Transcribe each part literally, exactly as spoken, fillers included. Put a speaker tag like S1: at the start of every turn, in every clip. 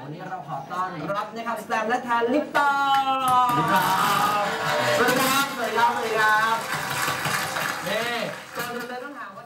S1: วันนี้เราขอต้อนรับนะครับสแตมและแทนลิปตาสวัสดีครับสวัสดีครับสวัสดีครับนี่ก่อนอื่นเลยต้องถามว่า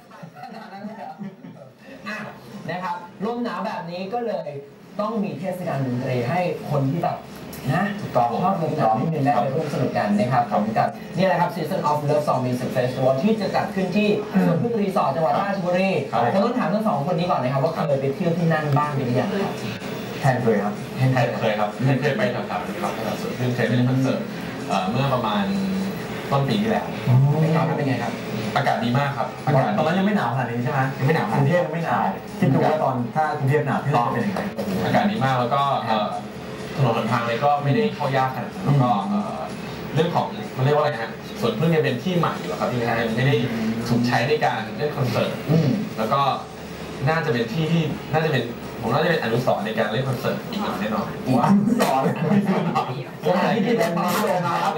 S1: นะครับลมหนาวแบบนี้ก็เลยต้องมีเทศกาลดนตรีให้คนที่แบบนะชอบลมหนาวนิดนึงได้ไปร่วมสนุกกันนะครับผมกับนี่แหละครับ Season of Love Song Music Festival ที่จะจัดขึ้นที่สวนพึ่งรีสอร์ทจังหวัดราชบุรีผมต้องถามทั้งสองคนนี้ก่อนนะครับว่าเคยไปเที่ยวที่นั่นบ้างหรือยังครับ
S2: แทนเคยครับ
S3: แทนเคยครับแทนเคยไปแถวๆนี้ครับสวนพึ่งเคยไปเล่นคอนเสิร์ตเมื่อประมาณต้นปีที่แล้ว
S1: เป็นไงครับ
S3: อากาศดีมากครับอากาศ
S2: ตอนนั้นยังไม่หนาวขนาดนี้ใช่ไหม
S3: ยังไม่หนาว
S2: กรุงเทพยังไม่หนาวคิดดูว่าตอนถ้ากรุงเทพหนาวที่เราเป็นยังไง
S3: อากาศดีมากแล้วก็ถนนหนทางเลยก็ไม่ได้เข้ายากขนาดนั้นแล้วก็เรื่องของมันเรียกว่าอะไรฮะสวนพึ่งยังเป็นที่ใหม่อยู่ครับที่ไม่ได้ถูกใช้ในการเล่นคอนเสิร์ตแล้วก็น่าจะเป็นที่ที่น่าจะเป็นผมน่าจะเป็นอนุสรณ์ในการเล่นคอนเสิร์ตอีกแน่นอน
S2: อนุสรณ์
S1: สถานที่ที่เป็นมาร์คเลยนะครับ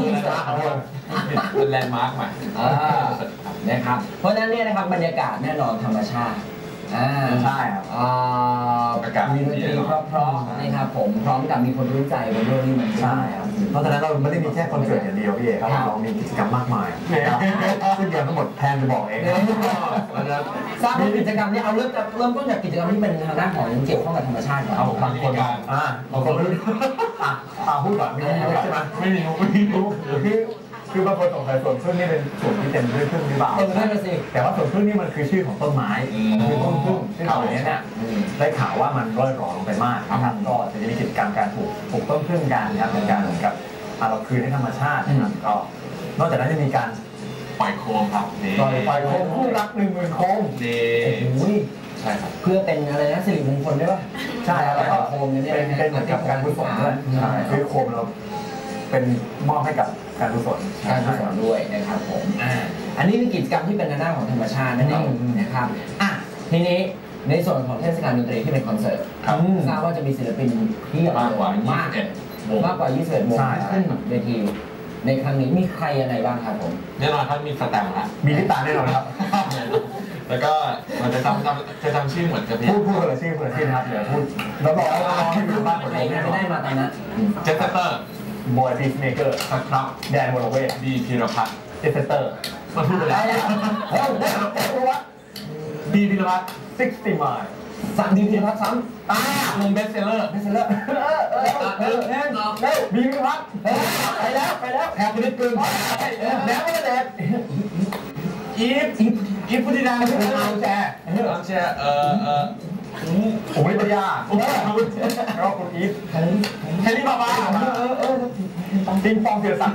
S3: เป็นแลนด์มาร์คใหม่
S1: นะครับเพราะฉะนั้นเนี่ยนะครับบรรยากาศแน่นอนธรรมชาติอ่า
S2: ใช่ครับ
S3: อากาศ
S1: มีดนตรีเพราะๆนะครับผมพร้อมกับมีคนรู้ใจบนโลกนี้เหมือน
S2: ใช่ครับเพราะฉะนั้นเราไม่ได้มีแค่คอนเสิร์ตอย่างเดียวพี่เอกครับเรามีกิจกรรมมากมายนะครับซึ่งเดี๋ยวทั้งหมดแทนจะบอกเอง
S1: ทราบว่ากิจกรรมนี้เอาเริ่มเริ่มต้นจากกิจกรรมที่เป็นทางด้านของเกี่ยวข้องกับธรรมชาติก่อน
S3: เอาบางคน
S2: อ่าบางคนไม่รู้อ่ะอ่าพูดก่อนไม่รู้ใช่ไหม
S3: ไม่มีไม่มีรู้
S2: คือคือบางคนสงสัยสวนพึ่งนี่เป็นสวนที่เต็มด้วยพึ่งหรือเปล่าแต่ว่าสวนพึ่งนี่มันคือชื่อของต้นไม้คือต้นพึ่งซึ่งตอนนี้เนี่ยได้ข่าวว่ามันร่อยหรอลงไปมากนะครับก็จะมีกิจกรรมการปลูกปลูกต้นพึ่งกันนะครับเป็นการเหมือนกับเราคืนให้ธรรมชาตินะครับก็นอกจากนั้นจะมีการ
S3: ปล่อยโคมครับ
S2: ปล่อยปล่อยโคมคู่รักหนึ่งหมื่นโคม
S3: นี่ใช่ครับ
S1: เพื่อเป็นอะไรนะสิริมงคลด้วยป่ะ
S2: ใช่แล้วก็
S1: โคมเนี่ย
S2: เป็นเป็นเหมือนกับการกุศลด้วยใช่คือโคมเราเป็นมอบให้กับการกุศล
S1: การกุศลด้วยนะครับผมอ่าอันนี้คือกิจกรรมที่เป็นในด้านของธรรมชาตินั่นเองนะครับอ่ะทีนี้ในส่วนของเทศกาลดนตรีที่เป็นคอนเสิร์ตทราบว่าจะมีศิลปินที่
S3: มากกว่าม
S1: ากมากกว่ายี่สิบเอ็ดวงขึ้นเวทีในครั้งนี้มีใครยังไงบ้างครับผม
S3: แน่นอนครับมีสแตมป์นะ
S2: มีลิปตาแน่นอนครับ
S3: แล้วก็มันจะจำจะจำชื่อเหมือนกับ
S2: พูดพูดเลยชื่อพูดชื่อนะครับเดี๋ยวพูดเราบอกว่าที่อยู่บ้านคนไหน
S1: ไม่ได้มาตอนนั้น
S3: เจสเตอร์
S2: บอยพีซเมเกอร์
S3: ครับ
S2: แดนโมโลเวส
S3: ดีพีรพัฒน์
S2: เจสเตอร์
S3: มาพูดไปแล้ว
S2: เฮ้ยได้รู้ว่า
S3: ดีพีรพัฒน์
S2: ซิกซ์ตี้ไมล์
S1: สามดีพีรพัฒน์ซ้ำ
S3: อ่าวงเบสเซลเลอร์
S1: เบสเซลเลอร์เออเออเออเออ
S2: เฮ้ยบีพีรพัฒน์ไปแล้วไปแล้ว
S1: แอบไปนิดนึง
S2: แล้วไม่ได้เด็ด
S3: อีฟอีฟอีฟพุทธิดา
S2: เป็นอาแชร์
S3: อาแชร์เออเออ
S2: ผมไม่ปัญญาแล้วคุณอีฟ
S3: แฮร์รี่บาบา
S2: เออเออปิงปองเสือสัก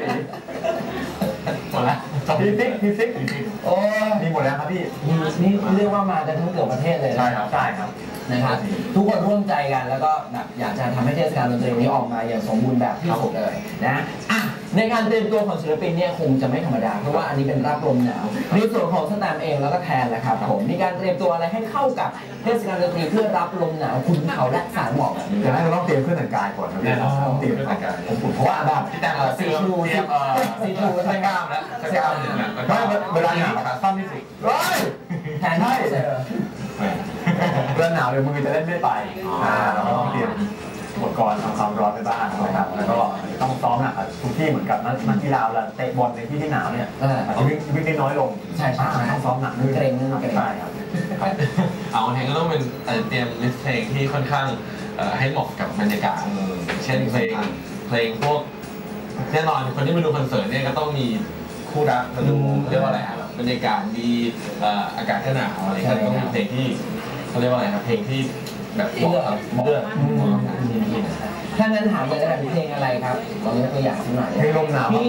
S3: หมดแล้ว
S2: พีซิกพีซิก
S1: โอ้
S2: มีหมดแล้วครับพี่
S1: นี่เรียกว่ามากันทั้งเกือบประเทศเลย
S2: ใช่ครับใช่ครับ
S1: นะครับทุกคนร่วมใจกันแล้วก็แบบอยากจะทำให้เทศกาลดนตรีนี้ออกมาอย่างสมบูรณ์แบบที่สุดเลยนะอ่ะในการเตรียมตัวของศิลปินเนี่ยคงจะไม่ธรรมดาเพราะว่าอันนี้เป็นรับลมหนาวในส่วนของสแตมเองแล้วก็แทนแหละครับผมมีการเตรียมตัวอะไรให้เข้ากับเทศกาลดนตรีเพื่อรับลมหนาวคุณเขาและสายหมอกแบบนี้
S2: แต่เราต้องเตรียมเครื่องแต่งกายก่อนนะพี่ต้องเตรียมเครื่องแต่งกาย
S3: เพราะว่าแบบที่แต่งซีทูเตรียมซีทูใช้กล้ามแล้วใช้กล้ามหนึ่งแล้ว
S2: เวลาหนาวสั้นที่สุด
S1: แทนได้
S2: เวลาหนาวเดี๋ยวมือจะเล่นไม่ไปเราต้องเตรียมอุปกรณ์ทำความร้อนไปบ้างนะครับแล้วก็ต้องซ้อมหนักทุกที่เหมือนกับนักกีฬาเวลาเตะบอลในที่ที่หนาวเนี่ยอาจจะวิ่งวิ่งได้น้อยลง
S1: ใช่ใช่
S2: ต้องซ้อมหนัก
S1: เกรงเกรง
S2: ใช่ครับ
S3: เอาเพลงก็ต้องเป็นเตรียมลิสต์เพลงที่ค่อนข้างให้เหมาะกับบรรยากาศเช่นเพลงเพลงพวกแน่นอนคนที่มาดูคอนเสิร์ตเนี่ยก็ต้องมีคู่รักมาดูเรียกว่าอะไรครับบรรยากาศดีอากาศก็หนาวอะไรก็ต้องมีเพลงที่เขาเรียกว่าอะไรครับเพลงที่แบบเหมาะกับเลือด
S1: ถ้างั้นถามเลยนะเพลงอะไรครับลองยกตัวอย่างสักหน่อย
S2: เพลงลมหนาว
S1: พี่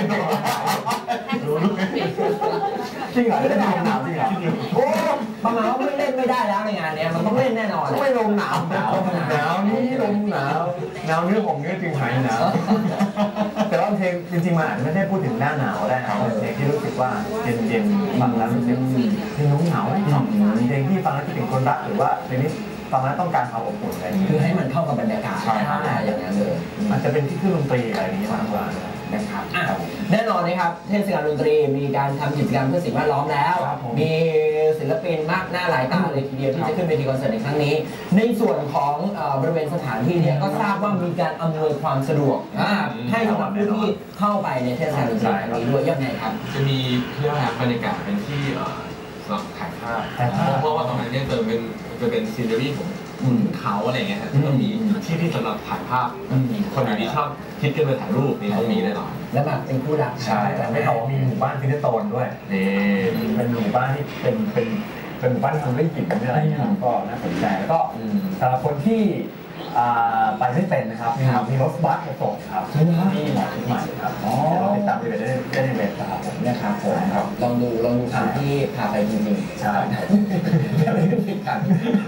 S2: จริงเหรอได้ลมหนาวจริงเหรอ
S1: โอ้ประมาณว่าไม่เล่นไม่ได้แล้วในงานนี้มันต้องเล่นแน่นอน
S2: ไม่ลมหนาวหนาวหนาวนี่ลมหนาวหนาวเนื้อของเนื้อจึงหายหนาวแต่ว่าเพลงจริงๆมันอาจจะไม่ได้พูดถึงหน้าหนาวได้นะเพลงที่รู้สึกว่าเย็นๆฟังแล้วรู้สึกเพลงน้องหนาวเพลงที่ฟังแล้วคิดถึงคนรักหรือว่าเพลงนี้ฟังแล้วต้องการความอบอุ่นอะไร
S1: คือให้มันเข้ากับบรรยากาศ
S3: ใช่
S1: อย่างนั้นเลย
S2: อาจจะเป็นที่เครื่องดนตรีอะไรอย่างนี้มากกว่า
S1: นะครับอ่ะแน่นอนนะครับเทศกาลดนตรีมีการทำกิจกรรมเพื่อสิ่งแวดล้อมแล้วมีศิลปินมากหน้าหลายตาเลยทีเดียวที่จะขึ้นเวทีคอนเสิร์ตในครั้งนี้ในส่วนของบริเวณสถานที่เนี่ยก็ทราบว่ามีการอำนวยความสะดวกให้สำหรับผู้ที่เข้าไปในเทศกาลดนตรีครั้งนี้ด้วยยังไงครับ
S3: จะมีเรื่องบรรยากาศเป็นที่สำหรับถ่ายภาพเพราะว่าตรงนั้นเนี่ยจะเป็นจะเป็นซีนเนอรี่ของเขาอะไรเงี้ยก็มีที่ที่สำหรับถ่ายภาพคนไหนที่ชอบคิดกันไปถ่ายรูปนี่ต้องมีแน่นอน
S1: แล้วแบบเป็นคู่รัก
S2: ใช่แต่ไม่เขามีหมู่บ้านฟินเนอร์โตนด้วยนี่เป็นหมู่บ้านที่เป็นเป็นเป็นหมู่บ้านทำด้วยหินอะไรอย่างเงี้ยก็น่าสนใจแล้วก็สำหรับคนที่ไปไม่เป็นนะครับมีรถบัสมาส่งครับที่หมอชิดใหม่ครับเราติดตามได้ได้ในเว็บครับผม
S1: นะครับผมลองดูลองดูสิ่งที่พาไปจริงๆ
S2: ใช่
S1: ไม่ได้ผิดกัน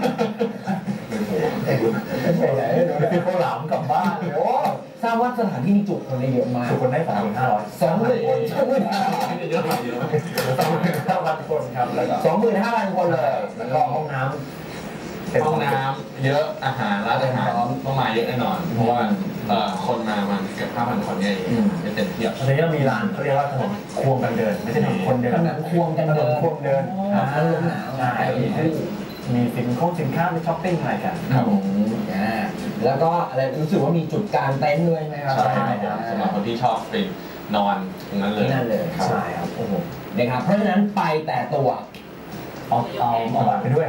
S1: ไปไหน
S2: ไปข้าวหลามกลับบ้านเลยโอ้
S1: ทราบว่าสถานที่นี้จุคนได้เยอะมาก
S2: จุคนได้สองหมื่นห้าร้อย
S1: สองหมื่นคนสองหมื่นห้า
S3: ร้อยเยอะเยอะ
S2: สองหมื่นห้าพันคนครับแล้วก็
S1: สองหมื่นห้าพันคนเลย
S2: แล้วก็ห้องน้ำ
S3: ห้องน้ำเยอะอาหารร้านอาหารต้องมาเยอะแน่นอนเพราะว่าคนมามันเกือบห้าพันคนเนี่ยจะเต็มเทียบ
S2: ตอนนี้มีร้านเขาเรียกว่าถนนควงกันเดินไม่ใช่ถนนคนเดิน
S1: ถนนควงกันเดิน
S2: ควงเดิน
S1: อ่าใช่
S2: มีสินค้าสินค้าไปช้อปปิ้งอะไรกัน
S1: ครับผมอ่าแล้วก็อะไรรู้สึกว่ามีจุดกางเต็นท์ด้วยไหมครับ
S3: ใช่ครับสำหรับคนที่ชอบไปนอนตรงนั้นเลย
S1: นั่นเลย
S2: ใช่ครับ
S1: โอ้โหนะครับเพราะฉะนั้นไปแต่ตัว
S2: เอาเอาเอาบัตรไปด้วย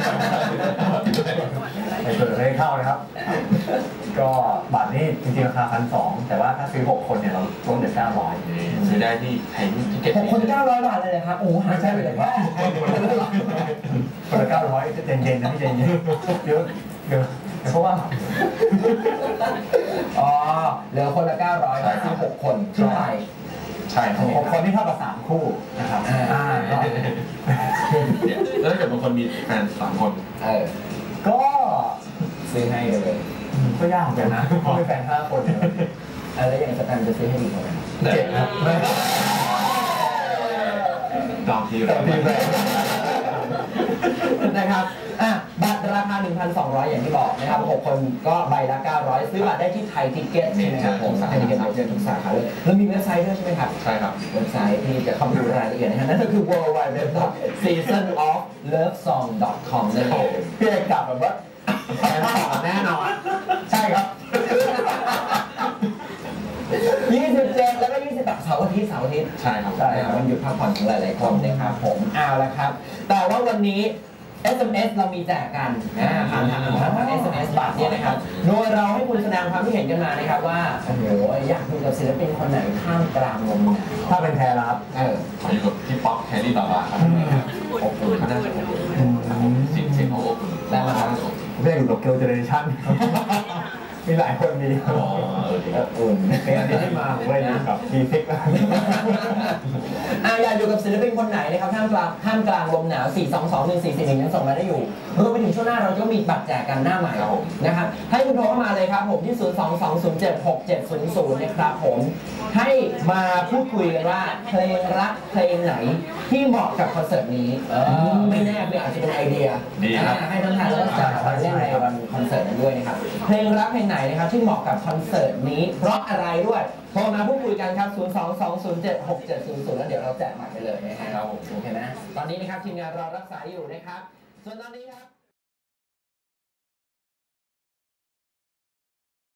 S2: ไปเปิดให้เข้านะครับก็บัตรนี่จริงๆราคาพันสองแต่ว่าถ้าซื้อหกคนเนี่ยเราลดเหลือเก้าร้อย
S3: ซื้อได้ที่ไทยที่เก็ต
S1: หกคนเก้าร้อยบาทเลยนะครับโอ้หาใช่เลยว่า
S2: คนละเก้าร้อยเย็นๆนะพี่เย็นๆเดี๋ยวเดี๋ยวเพราะว่า
S1: อ๋อเหลือคนละเก้าร้อยซื้อหกคนขึ้นไป
S3: ใช่
S2: หกคนที่เท่ากับสามคู่นะครับอ่า
S3: แล้วถ้าเกิดบางคนมีแฟนสามคน
S1: เออ
S2: ก็
S1: ซื้อให้เลย
S2: ก็ยากเหมือนกันนะเพราะมีแฟนห้าคน
S1: อะไรอย่างสแตนจะซื้อให้ดีกว่า
S2: เจ็ดครับ
S3: จองที
S2: จองทีแรก
S1: นะครับอ่ะบัตรราคา หนึ่งพันสองร้อย อย่างที่บอกนะครับหกคนก็ใบละเก้าร้อยซื้อบัตรได้ที่ไทยทิกเก็ตใช่ไหมครับผมไทยทิกเก็ตเราเจอทุกสาขาเลยแล้วมีเว็บไซต์ด้วยใช่ไหมครับ
S3: ใช่ครับ
S1: เว็บไซต์ที่จะเข้าไปดูรายละเอียดนะฮะนั่นก็คือ ดับเบิลยู ดับเบิลยู ดับเบิลยู ดอท ซีซั่น ออฟ เลิฟ ซอง ดอท คอม นั่นเอง
S2: พี่เอกกลับแบบว่า
S1: แน่นอน
S2: ใช่ครับ
S1: ยี่สิบเจ็ดแล้วก็ยี่สิบแปดเสาร์อาทิตย์เสาร์อาทิตย์
S3: ใช่ครับ
S1: ใช่ครับวันหยุดพักผ่อนของหลายๆคนนะครับผมเอาละครับแต่ว่าวันนี้ เอส เอ็ม เอส เรามีแจกกันผ่านทางผ่านทาง เอส เอ็ม เอส บัตรเนี่ยนะครับโดยเราให้คุณแสดงความคิดเห็นกันมานะครับว่าโอ้โหอยากดูกับศิลปินคนไหนข้ามกลางลมหนาว
S2: ถ้าเป็นแทนครับ
S1: เออ
S3: ขออยู่กับพี่ป๊อกแคลรี่บาบาครับอบอุ่นเขาน่าจะอบอุ่นสิ่งเสียงเขาอบอุ่น
S1: ได้มาครับ
S2: ผมอยากอยู่กับเกิร์ลเจเนอเรชั่นมีหลายคนมี
S1: อุ่น
S2: เป็นอันที่มาผมเลยนะครับทีซิก
S1: อ่ะอยากอยู่กับศิลปินคนไหนนะครับท่ามกลางท่ามกลางลมหนาวสี่ สอง สอง หนึ่ง สี่ สี่ หนึ่งยังส่งมาได้อยู่รวมไปถึงช่วงหน้าเราก็มีบัตรแจกกันหน้าใหม่นะครับให้คุณโทรเข้ามาเลยครับผมที่ ศูนย์ สอง สอง ศูนย์ เจ็ด หก เจ็ด ศูนย์ ศูนย์ นะครับผมให้มาพูดคุยกันว่าเพลงรักเพลงไหนที่เหมาะกับคอนเสิร์ตนี้ไม่แน่เพื่ออาจจะเป็นไอเดียให้ทั้งทางและจัดมาเล่นในวันคอนเสิร์ตนั้นด้วยนะครับเพลงรักเพลงไหนนะครับที่เหมาะกับคอนเสิร์ตนี้เพราะอะไรด้วยโทรมาพูดคุยกันครับ ศูนย์ สอง สอง ศูนย์ เจ็ด หก เจ็ด ศูนย์ ศูนย์ แล้วเดี๋ยวเราแจกบัตรไปเลยนะครับโอเคนะตอนนี้นะครับทีมงานรอรับสายอยู่นะครับส่วนตอนนี้ครับ